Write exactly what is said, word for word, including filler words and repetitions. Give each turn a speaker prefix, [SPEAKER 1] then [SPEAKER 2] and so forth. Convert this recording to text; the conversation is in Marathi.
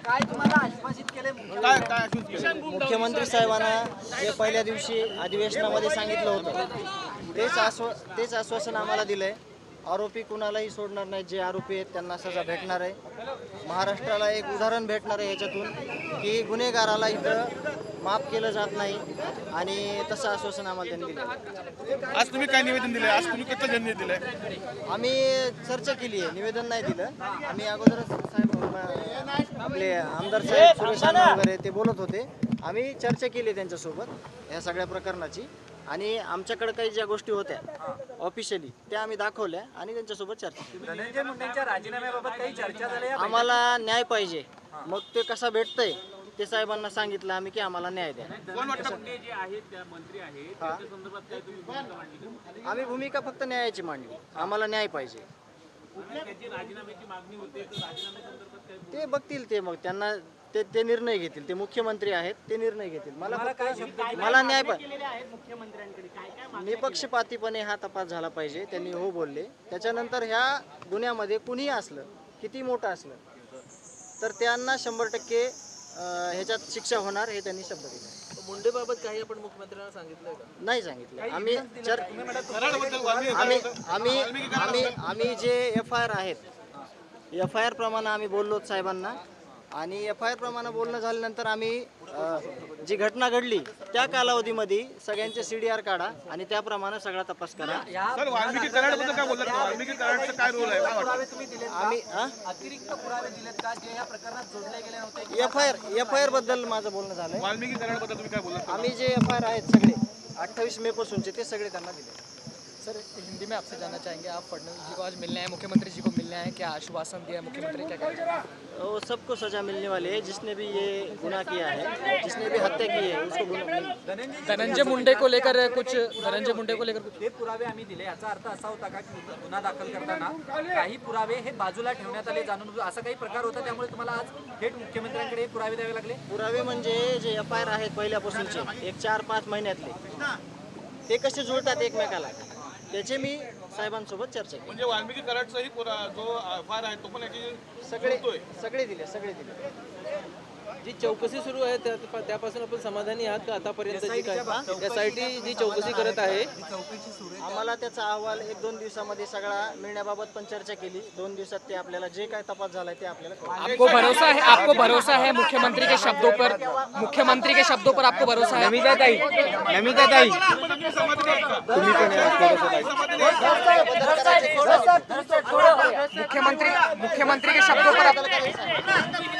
[SPEAKER 1] काय तुम्हाला आश्वासित केले
[SPEAKER 2] काय काय आश्वासित केलं?
[SPEAKER 3] मुख्यमंत्री साहेबांना जे पहिल्या दिवशी अधिवेशनामध्ये सांगितलं होतं तेच आश्वा तेच आश्वासन आम्हाला दिलंय. आरोपी कुणालाही सोडणार नाही. जे आरोपी आहेत त्यांना सजा भेटणार आहे. महाराष्ट्राला एक उदाहरण भेटणार आहे याच्यातून की गुन्हेगाराला इथं माफ केलं जात नाही आणि तसं आश्वासन आम्हाला त्यांनी दिलं.
[SPEAKER 2] आज तुम्ही काय निवेदन दिलंय? आज तुम्ही कसं जननी दिलंय?
[SPEAKER 3] आम्ही चर्चा केली आहे, निवेदन नाही दिलं. आम्ही अगोदरच साहेब आपले आमदार साहेब सुरेश अण्णा वगैरे ते बोलत होते. आम्ही चर्चा केली त्यांच्यासोबत या सगळ्या प्रकरणाची आणि आमच्याकडे काही ज्या गोष्टी होत्या ऑफिशियली त्या आम्ही दाखवल्या आणि त्यांच्यासोबत चर्चा केली.
[SPEAKER 1] धनंजय मुंडेंच्या राजीनाम्याबाबत काही चर्चा झाली आहे?
[SPEAKER 3] आम्हाला न्याय पाहिजे. मग ते कसा भेटतंय ते साहेबांना सांगितलं आम्ही की आम्हाला न्याय द्या.
[SPEAKER 2] कोण वाटतं?
[SPEAKER 4] जे आहेत त्या मंत्री आहेत त्याच्या संदर्भात काय तुम्ही भूमिका मांडली का?
[SPEAKER 3] आम्ही भूमिका फक्त न्यायाची मांडली. आम्हाला न्याय पाहिजे.
[SPEAKER 4] त्याची राजीनाम्याची मागणी होते तर राजीनाम्या संदर्भात काय?
[SPEAKER 3] ते बघतील. ते मग त्यांना ते ते निर्णय घेतील. ते मुख्यमंत्री आहेत, ते निर्णय घेतील. मला फक्त मला न्याय पाहिजे. निपक्षपातीपणे हा तपास झाला पाहिजे. त्यांनी हो बोलले. त्याच्यानंतर ह्या गुन्ह्यामध्ये कुणीही असलं, किती मोठं असलं तर त्यांना शंभर टक्के ह्याच्यात शिक्षा होणार हे त्यांनी शब्द दिला.
[SPEAKER 1] मुंडेबाबत काही आपण मुख्यमंत्र्यांना सांगितलंय का?
[SPEAKER 3] नाही सांगितलं. आम्ही चर
[SPEAKER 2] कराडबद्दल वाल्मिकी
[SPEAKER 3] आम्ही आम्ही आम्ही आम्ही जे एफ आय आर आहेत एफ आय आर प्रमाणे आम्ही बोललो साहेबांना आणि एफ आय आर प्रमाणे बोलणं झाल्यानंतर आम्ही अ, जी घटना घडली त्या कालावधीमध्ये सगळ्यांचे सी डी आर काढा आणि त्याप्रमाणे सगळा तपास करा.
[SPEAKER 2] सर वाल्मिकी कराडबद्दल काय बोलतात? वाल्मिकी कराडचा काय रोल आहे? काय वाटतं?
[SPEAKER 1] पुरावे तुम्ही दिलेत का?
[SPEAKER 3] आम्ही
[SPEAKER 1] अतिरिक्त पुरावे दिलेत का जे या प्रकरणात जोडले गेले नव्हते?
[SPEAKER 3] F I R F I R बद्दल माझं बोलणं झालंय.
[SPEAKER 2] वाल्मिकी कराडबद्दल तुम्ही काय बोलत?
[SPEAKER 3] आम्ही जे एफ आय आर आहेत सगळे अठ्ठावीस मे पासूनचे ते सगळे त्यांना दिले.
[SPEAKER 5] सर हिंदी में आपसे जानना चाहेंगे, आप फडणवीस जी को आज मिलने आए, मुख्यमंत्री जी को मिलने आए, क्या आश्वासन दिया है मुख्यमंत्री, क्या कहेंगे?
[SPEAKER 3] वो सबको सजा मिलने वाली है. जिसने भी ये गुनाह किया है, जिसने भी हत्या की है उसको गुनाह.
[SPEAKER 5] धनंजय मुंडे को लेकर कुछ धनंजय मुंडे को लेकर कुछ
[SPEAKER 1] हे पुरावे आम्ही दिले याचा अर्थ असा होता का की गुन्हा दाखल करताना काही पुरावे हे बाजूला ठेवण्यात आले जाणून असा काही प्रकार होता त्यामुळे तुम्हाला आज थेट मुख्यमंत्र्यांकडे हे पुरावे द्यावे लागले?
[SPEAKER 3] पुरावे म्हणजे जे एफ आय आर आहेत पहिल्यापासूनचे एक चार पाच महिन्यातले ते कसे जुळतात एकमेकाला त्याचे मी साहेबांसोबत चर्चा केली.
[SPEAKER 2] म्हणजे वाल्मिकी कराडचाही पुरा- जो फार आहे तो पण याची
[SPEAKER 3] सगळे सगळे दिले सगळे दिले.
[SPEAKER 6] जी चौकशी सुरू आहे त्या- त्यापासून आपण समाधानी आहात का आतापर्यंतची काय एस आय टी जी चौकशी करत आहे?
[SPEAKER 3] आम्हाला त्याचा अहवाल एक दोन दिवसामध्ये सगळा मिळण्याबाबत पण चर्चा केली. दोन दिवसात ते आपल्याला जे काय तपास झालाय ते आपल्याला कळेल.
[SPEAKER 5] आपको भरोसा है आपको भरोसा है मुख्यमंत्री के शब्दों पर मुख्यमंत्री के शब्दों पर आपको भरोसा है?
[SPEAKER 6] नमिता ताई नमिता ताई
[SPEAKER 5] मुख्यमंत्री मुख्यमंत्री के शब्दों पर आप